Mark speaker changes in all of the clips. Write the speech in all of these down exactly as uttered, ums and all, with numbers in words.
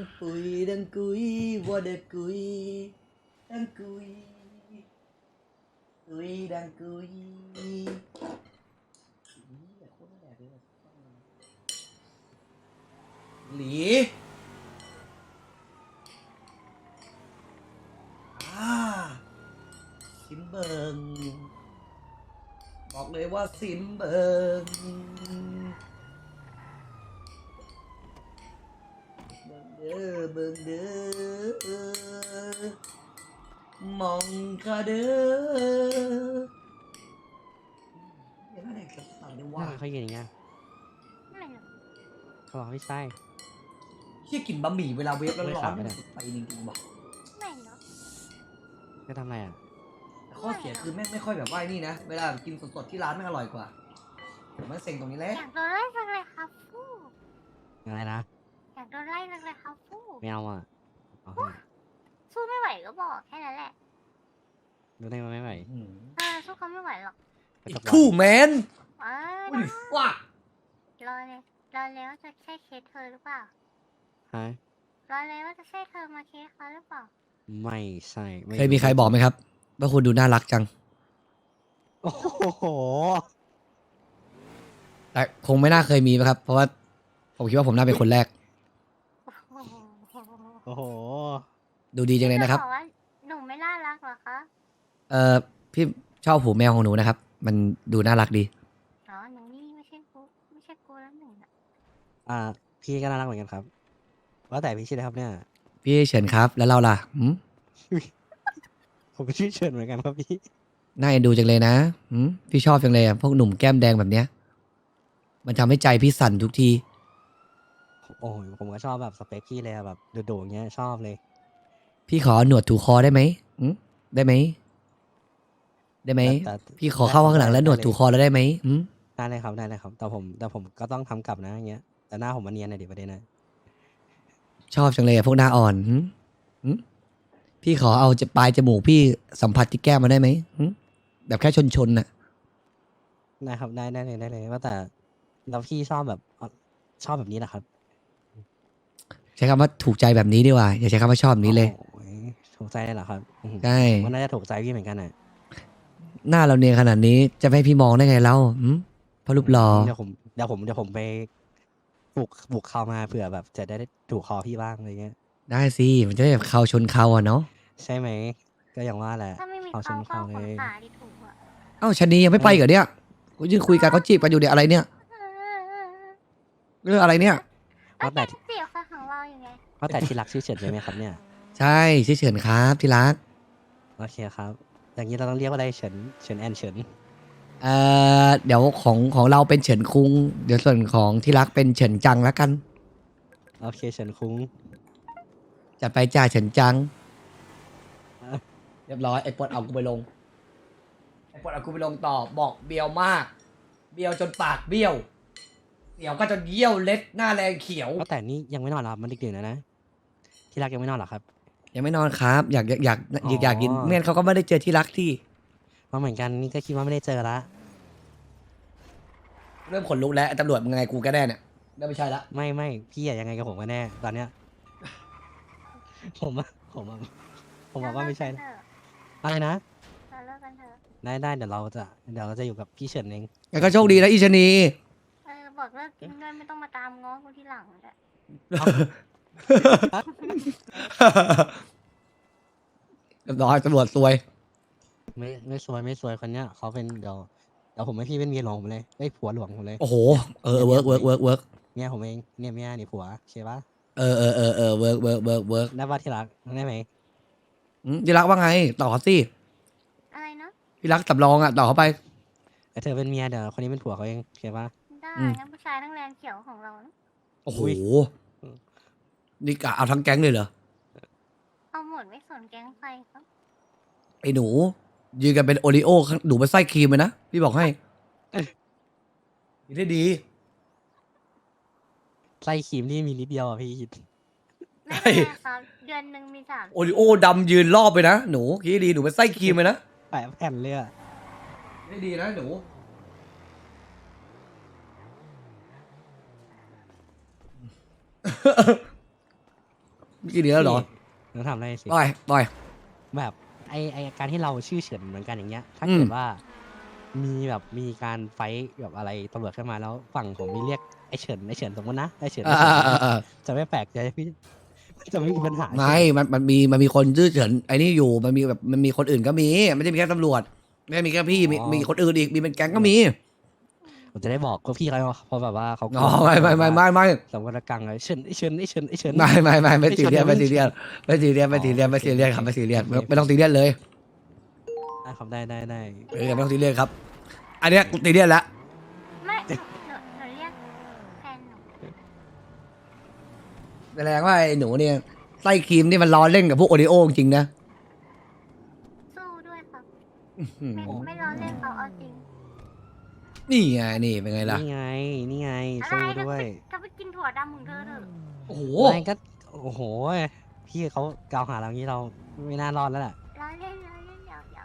Speaker 1: ปุยดังกุยว่าเด็กกุยดังกุยกุยดังกุยหลีอ่าซิมเบิงบอกเลยว่าซิมเบิงเบิงเด้อเบิงเด้อมองคาเด้อยังไงกับสั่งได้ว่า
Speaker 2: เขายืนอย่างเงี้ย
Speaker 3: ไม่หรอก
Speaker 2: เขาบอกไม่ใช่
Speaker 1: เชี่ยกินบะหมี่เวลาเวฟแล้ว
Speaker 2: ไม่
Speaker 1: ร้อ
Speaker 2: ขาน ดไม่ได้
Speaker 1: ไปจริงๆบอก
Speaker 3: ไม่หรอก
Speaker 2: จะทำอะไรอ่ะ
Speaker 1: แต่ข้อเสียคือแม่งไม่ค่อยแบบว่านี่นะเวลากินสดๆที่ร้านแม่งอร่อยกว่าผมมันเซ็งตรงนี้แหละ
Speaker 3: อยากโดนไล่จังเลยครับฟู่
Speaker 2: อะไรนะ
Speaker 3: อยากโดนไล่จังเลยครับฟู่
Speaker 2: ไม่เอาอ่ะเอาให้
Speaker 3: สู้ไม่ไหวก็บอกแค่นั้นแหละ
Speaker 2: ดูได้ไหมไม่ไหว
Speaker 1: อืม
Speaker 3: เออสู้เขาไม่ไหวหรอก
Speaker 2: ไป
Speaker 1: อี
Speaker 2: ต
Speaker 1: ก
Speaker 2: กรอบ
Speaker 1: คู่แมน
Speaker 3: เออ
Speaker 1: อุ้ยว้าร
Speaker 3: อเลยรอเลยว่าจะใช่เคสเธอหรือเปล่า
Speaker 2: ฮะ
Speaker 3: รอเลยว่าจะใช่เธอมาเคสเขาหรือเปล่า
Speaker 2: ไม่ใช่ไ
Speaker 1: เคยมีใครบอกไหมครับว่าคุณดูน่ารักจัง
Speaker 2: โอ้โห
Speaker 1: แต่คงไม่น่าเคยมีนะครับ เพราะว่าผมคิดว่าผมน่าเป็นคนแรก
Speaker 2: โอ้โห
Speaker 1: ดูดีจังเลยนะครับ
Speaker 3: จบอกว่าหนูไม่น่ารักเหรอคะ
Speaker 1: เอ่อพี่ชอบหูแมวของหนูนะครับ มันดูน่ารักดี
Speaker 3: อ๋อหนูนี่ไม่ใช่กูไม่ใช่กูแล้วหนึ่งอะ
Speaker 2: อ่า พี่ก็น่ารักเหมือนกันครับ ว่าแต่พี่ชื่ออะไรครับเนี่ย
Speaker 1: พี่เฉินครับ แล้วเราล่ะหืม
Speaker 2: ผมก็ชื่อเฉินเหมือนกันครับพี่
Speaker 1: น่าเอ็นดูจังเลยนะหืมพี่ชอบจังเลยอะพวกหนุ่มแก้มแดงแบบเนี้ย มันทำให้ใจพี่สั่นทุกที
Speaker 2: โอ้ยผมก็ชอบแบบสเปคพี่เลยอะแบบโดดๆอย่างเงี้ยชอบเลย
Speaker 1: พี่ขอหนวดถูคอได้ไหมหืมได้ไหมได้ไหม
Speaker 2: แต่แต่
Speaker 1: พี่ขอเข้าข้างหลังแล้วหนวดถูคอแล้วได้ไหมหืม
Speaker 2: ได้เลยครับได้เลยครับ แต่ผมแต่ผมก็ต้องทำกลับนะอย่างเงี้ย แต่หน้าผมมันเนียนหน่อยดิประเด็นนะ
Speaker 1: ชอบจังเลยอะพวกหน้าอ่อนหืมหืมพี่ขอเอาจะปลายจมูกพี่สัมผัสที่แก้มมาได้ไหมหืมแบบแค่ชนชนๆน่ะ
Speaker 2: ได้ครับได้ได้เลยได้เลยว่าแต่แล้วพี่ชอบแบบอ่ะชอบแบบนี้แหละครับ
Speaker 1: ใช้คำว่าถูกใจแบบนี้ดีกว่า อย่าใช้คำว่าชอบแบบนี้เลย
Speaker 2: โอ้ยถูกใจเลยเหรอครับอื้อหือ
Speaker 1: ใช่
Speaker 2: ผมว่าน่าจะถูกใจพี่เหมือนกันน่ะ
Speaker 1: หน้าเราเนียนขนาดนี้จะไม่ให้พี่มองได้ไงเล่าหืมเพราะรูปหล่อ
Speaker 2: เดี๋ยวผมเดี๋ยวผมเดี๋ยวผมไปปลุกปลุกเข้ามาเผื่อแบบจะได้ถูกคอพี่บ้างอะไรเงี้ย
Speaker 1: ได้สิมันจะได้แบบเขาชนเขาอะเนาะ
Speaker 2: ใช่ไหมก็อย่างว่าแหละ
Speaker 3: ถ้าไม่มี
Speaker 2: เขาช
Speaker 3: เขา
Speaker 2: ม
Speaker 3: ก็
Speaker 2: เขา
Speaker 3: เอา
Speaker 2: เล
Speaker 3: ขน
Speaker 2: ย
Speaker 3: ขาดิถูกอะ
Speaker 1: เอ้าชะนียังไม่ไปเหรอเนี่ยกูยืนคุยกันเขาจีบกันอยู่เนี่ยอะไรเนี่ยเรื่องอะไรเนี่ย
Speaker 3: ก็
Speaker 2: ว่าแต่
Speaker 3: แกเสียคนของเราอยู่ไง
Speaker 2: ว่าแต่ที่รักชื่อเฉินใช่ไหมครับเนี่ย
Speaker 1: ใช่ชื่อเฉินครับที่รัก
Speaker 2: โอเคครับ อย่างนี้เราต้องเรียกว่าอะไรเฉินเฉินแอนเฉิน
Speaker 1: เอ่อเดี๋ยวของของเราเป็นเฉินคุงเดี๋ยวส่วนของที่รักเป็นเฉินจังแล้วกัน
Speaker 2: โอเคเฉินคุ้ง
Speaker 1: จัดไปจ่าเฉินจังเรียบร้อยไอ้ปลดเอากูไปลงไอ้ปลดเอากูไปลงต่อบอกเบียวมาก เบียวจนปากเบี้ยวเสียวก็จนเยี่ยวเล็ดหน้าแรงเขียว
Speaker 2: ว่าแต่นี่ยังไม่นอนเหรอครับมันดึกๆแล้วนะที่รักยังไม่นอนเหรอครับ
Speaker 1: ยังไม่นอนครับ อยากอยากอยาก
Speaker 2: อ๋อ
Speaker 1: อยากกินเมื่อนเขาก็ไม่ได้เจอที่รักที่
Speaker 2: มาเหมือนกันนี่ก็คิดว่าไม่ได้เจอละ
Speaker 1: เริ่มขนลุกแล้วไอ้ตำรวจมึงไงกูก็ได้เนี่ยเริ่มไม่ใช่ละ
Speaker 2: ไม่ไม่พี่อะยังไงกับผมกันแน่ตอนเนี้ย ผมอะผมอะผมบอกว่าไม่ใช่
Speaker 3: เร
Speaker 2: นะ
Speaker 3: เลิกกันเถอะ
Speaker 2: อะไรนะ
Speaker 3: เราเลิกกันเถอะ
Speaker 2: ได้ได้เดี๋ยวเราจะเดี๋ยวเราจะอยู่กับพี่เฉินเอง
Speaker 1: งั้นก็โชคดีนะอีชะนี
Speaker 3: เออบอกเลิกกินด้วยไม่ต้องมาตามง้อกูทีหลังเลย
Speaker 1: เรียบร้อยตำรวจซวย
Speaker 2: ไม่ไม่สวยไม่สวยคนเนี้ยเขาเป็นเดี๋ยวเดี๋ยวผมให้พี่เป็นเมียหลวงผมเลยไอ้ยผัวหลวงผมเลย
Speaker 1: โอ้โหเออเวิร์กเวิร์กเวิร์กเวิร์ก
Speaker 2: เมียผมเองเนี่ยเมียนี่ผัวใช่ปะ
Speaker 1: เออเออเออเออเวิร์กเวิร์กเวิร์กเวิร์ก
Speaker 2: ได้ป่ะที่รักได้ไหม
Speaker 1: ที่รักว่าไงต่อเขาสิ
Speaker 3: อะไรนะ
Speaker 1: ที่รักสำรองอ่ะต่อเขาไป
Speaker 2: แต่เธอเป็นเมียเดี๋ยวคนนี้เป็นผัวเขาเองใช่ปะ
Speaker 3: ได้
Speaker 1: อืม
Speaker 3: งั้นผู้ชายทั้งแรงเขียวของเรานะ
Speaker 1: โอ้โห
Speaker 2: อุ๊ย
Speaker 1: นี่กะเอาทั้งแก๊งเลยเหรอ
Speaker 3: เอาหมดไม่สนแก๊งใครครับ
Speaker 1: ไอ้หนู ยืนกันเป็นโอริโอข้างหนูเป็นไส้ครีมเลยนะพี่บอกให้นี่ได้ดี
Speaker 2: ไส้ครีมที่มีนิดเดียวอ่ะพี่
Speaker 3: ไม่เป็นไรครับเดือนหนึ่งมีสาม
Speaker 1: โอริโอดำยืนรอบไปนะหนูคิดดีหนูเป็นไส้ครีมเลยนะ
Speaker 2: แปะแผ่นเลยอ่ะ
Speaker 1: ได้ดีนะหนูกี่เดือนแล้วเหรอ
Speaker 2: หนูทำอะไรสิ
Speaker 1: ปล่อยปล่อย
Speaker 2: แบบไอไอการที่เราชื่อเฉินเหมือนกันอย่างเงี้ย ถ้า
Speaker 1: อืม
Speaker 2: เกิดว่ามีแบบมีการไฟท์แบบอะไรตำรวจขึ้นมาแล้วฝั่งผมมีเรียกไอเฉินไอเฉินสมมตินะไอเฉิน
Speaker 1: อ่า
Speaker 2: ไอ้เฉิน
Speaker 1: อ่าอ่าอ่า
Speaker 2: จะไม่แปลกใจพี่จะไม่มีปัญหา
Speaker 1: ไม่มันมันมีมันมีคนชื่อเฉินไอ้นี่อยู่มันมีแบบมันมีคนอื่นก็มีไม่ได้มีแค่ตำรวจไม่ได้มีแค่พี่มีมีคนอื่นอีกมีเป็นแก๊งก็มี
Speaker 2: ผมจะได้บอกก็พี่เขาเพราะแบบว่าเขากลัว
Speaker 1: อ๋อไม่ไม่ไม่ไม่ไม่
Speaker 2: สมกรกังเลยเฉินไอเฉินไอเฉินไอเฉิน
Speaker 1: ไม่ไม่ไม่ไม่
Speaker 2: ไม่
Speaker 1: ซีเรียส
Speaker 2: ชน
Speaker 1: ไม่ซีเรียสไม่ซีเรียสไม่ซีเรียส
Speaker 2: อ๋อ
Speaker 1: ไม่ซีเรียสครับไม่ซีเรียส
Speaker 2: โอเค
Speaker 1: ไม่ต้องซีเรียสเลย
Speaker 2: ได้ครับได้ได้ได้
Speaker 1: เออไม่ต้องซีเรียสครับ อันเนี้ยกูซีเรียสแล้ว
Speaker 3: ไม่หนูหนูหนูเรียกแฟนหนู
Speaker 1: แสดงว่าไอ้หนูเนี่ยไส้ครีมนี่มันล้อเล่นกับพวกโอริโอจริงๆนะ
Speaker 3: สู้ด้วยครับ
Speaker 1: อืม
Speaker 3: ไม่ไม่ล้อเล่นเขาเอาจริง
Speaker 1: นี่ไงนี่เป็นไงล่ะ
Speaker 2: นี่ไงนี่ไง
Speaker 3: อะไร
Speaker 2: สู้
Speaker 3: ถ้า
Speaker 2: ด้วย
Speaker 3: ไปถ้าไปกินถั่วดำมึงเธอเถอะ
Speaker 1: โอ้โห
Speaker 2: ไม่ก็โอ้โหพี่เขากล่าวหาเรางี้เราไม่น่ารอดแล้วแหละ
Speaker 3: ล้อเล่นล้อเล่นยาวยาว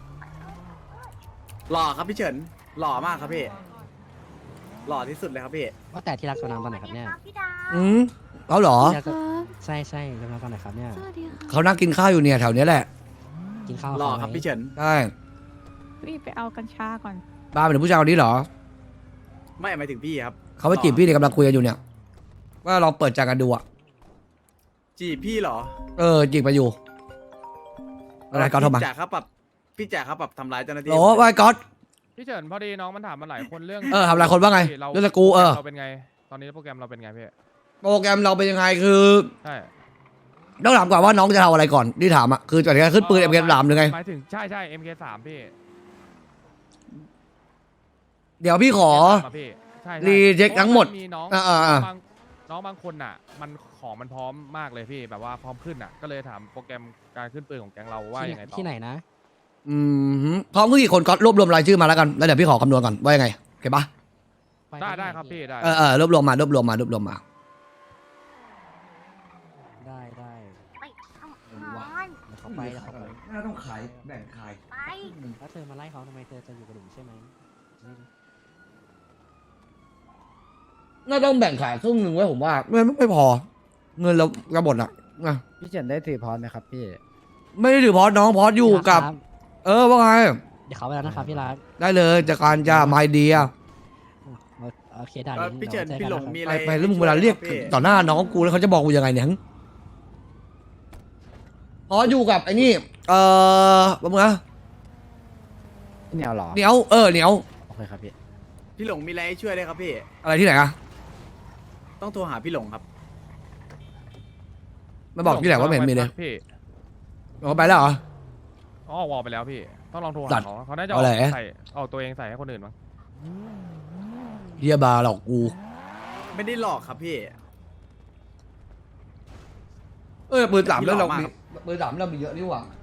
Speaker 4: หล่อครับพี่เฉินหล่อมากครับพี่หล่อที่สุดเลยครับพี่
Speaker 2: ว่าแต่ที่รักตัวน้ำตอนไหนครับเนี่ย
Speaker 3: พี่ดาว
Speaker 1: อืมเขาเหรอ
Speaker 2: ที่รักตัวใช่ใช่ตัวน้ำตอนไหนครับเนี่ย
Speaker 5: สวัสดีค่ะ
Speaker 1: เขานั่งกินข้าวอยู่เนี่ยแถวเนี้ยแหละ
Speaker 2: กินข้าว
Speaker 4: หล่อ
Speaker 2: เขาไหม
Speaker 4: ครับพี่เฉิน
Speaker 1: ใช่
Speaker 5: รีบไปเอากัญชาก่อน
Speaker 1: บ้าเป็นผู้ชายคนนี้เหรอ
Speaker 4: ไม่หมายถึงพี่ครับ
Speaker 1: เขาไปจีบพี่เนี่ยกำลังคุยกันอยู่เนี่ย ว่าลองเปิดใจกันดูอะ
Speaker 4: จีบพี่เหรอ
Speaker 1: เออจีบไปอยู่อะไรก็โทรมา
Speaker 4: พี่จ่าครับปรับพี่จ่าครับปรับทำร้ายเจ้าหน้าที่
Speaker 1: โอ้ว่าไอ้ก๊อต
Speaker 6: พี่เฉินพอดีน้องมันถามมาหลายคนเรื่อง
Speaker 1: เออทำหลายคนว่าไง
Speaker 6: เรา
Speaker 1: เรื่องสกรูเออ
Speaker 6: เราเป็นไง ตอนนี้โปรแกรมเราเป็นไงพี่
Speaker 1: โปรแกรมเราเป็นยังไงคือ
Speaker 6: ใช่
Speaker 1: ต้องถามก่อนว่าน้องจะทำอะไรก่อนที่ถามอะคือจะขึ้นปืนเอ็มเกสามหรือไง
Speaker 6: หมายถึงใช่ใช่ เอ็ม เค สาม พี่
Speaker 1: เดี๋ยวพี่ขอ
Speaker 6: เอ็มเคสามะพี่ใช่ใช่
Speaker 1: รีเช็คทั้งหมด
Speaker 6: เพราะว่ามีน้อง
Speaker 1: อ่าอ่าอ่า
Speaker 6: บางน้องบางคนอ่ะ มันของมันพร้อมมากเลยพี่แบบว่าพร้อมขึ้นอ่ะ ก็เลยถามโปรแกรมการขึ้นปืนของแก๊งเราว่า
Speaker 2: ที่
Speaker 6: ยังไงต่อ
Speaker 2: ที่ไหนนะ
Speaker 1: อืมพร้อมกี่คนก็รวบรวมรายชื่อมาแล้วกันแล้วเดี๋ยวพี่ขอคำนวณก่อนว่ายังไงโอเคปะ
Speaker 2: ป
Speaker 6: ได้
Speaker 2: ที่หน
Speaker 6: ได้ครับพี่ได้
Speaker 1: เออเออรวบรวมมารวบรวมมารวบรวมมา
Speaker 2: ได้ได้
Speaker 3: ไปทำงาน
Speaker 2: เดี๋ยวเขาไปเดี๋ยวเขาไป
Speaker 1: น่าต้องขายแบ่งขาย
Speaker 3: ไป
Speaker 2: แล้วเธอมาไล่เขาทำไมเธอจะอยู่กับหนูใช่ไหมนี่
Speaker 1: น่าต้องแบ่งขายครึ่งหนึ่งไว้ผมว่าไม่ไม่พอ เงินเรากระบดอ่ะอ่ะ
Speaker 7: พี่เฉินได้ถือพรไหมครับพี่
Speaker 1: ไม่ได้ถือพอสน้องพอสอยู่กับ
Speaker 2: ครับ
Speaker 1: เออว่าไง
Speaker 2: เดี๋ยวเขาไปแล้วนะครับพี่รัก
Speaker 1: ได้เลยจากการจะไมเดีย
Speaker 2: โอเคได้
Speaker 4: เอ่อพี่เฉินพี่หลงมีอะ
Speaker 1: ไป
Speaker 4: ไร
Speaker 1: ไปแล้วมึงเวลาเรียก
Speaker 4: ให้ช่วไหมคบพี่
Speaker 1: ต่อหน้าน้องกูแล้วเขาจะบอกกูยังไงเนี่ยหึพออยู่กับไอ้นี่ เออว่ามึงนะ
Speaker 7: พี่เหนียวเหรอ
Speaker 1: เหนียวเออเหนียว
Speaker 7: โอเคครับพี่
Speaker 4: พี่หลงมีอะไรให้ช่วยได้ครับพี่
Speaker 1: อะไรที่ไหนอะ
Speaker 4: ต้องโทรหาพี่หลงครับ
Speaker 1: มาบอกที่ไหนว่าไม่เห็นมีเลย
Speaker 6: พี่
Speaker 1: เอาไปแล้วเหรอ
Speaker 6: อ๋อวอลไปแล้วพี่ ต้องลองโทร
Speaker 1: จั
Speaker 6: หา
Speaker 1: ด
Speaker 6: เขาเขาน่าจะ
Speaker 1: เอาอะไร
Speaker 6: ใส่เอาตัวเองใส่ให้คนอื่นมั้ง
Speaker 1: เฮียบาร์หลอกกู
Speaker 4: ไม่ได้หลอกครับพี่
Speaker 1: เออปืนสามแล้วเรา
Speaker 4: พี่หล่อมาก
Speaker 1: มีปืนสามเรามีเยอะนี่หว่า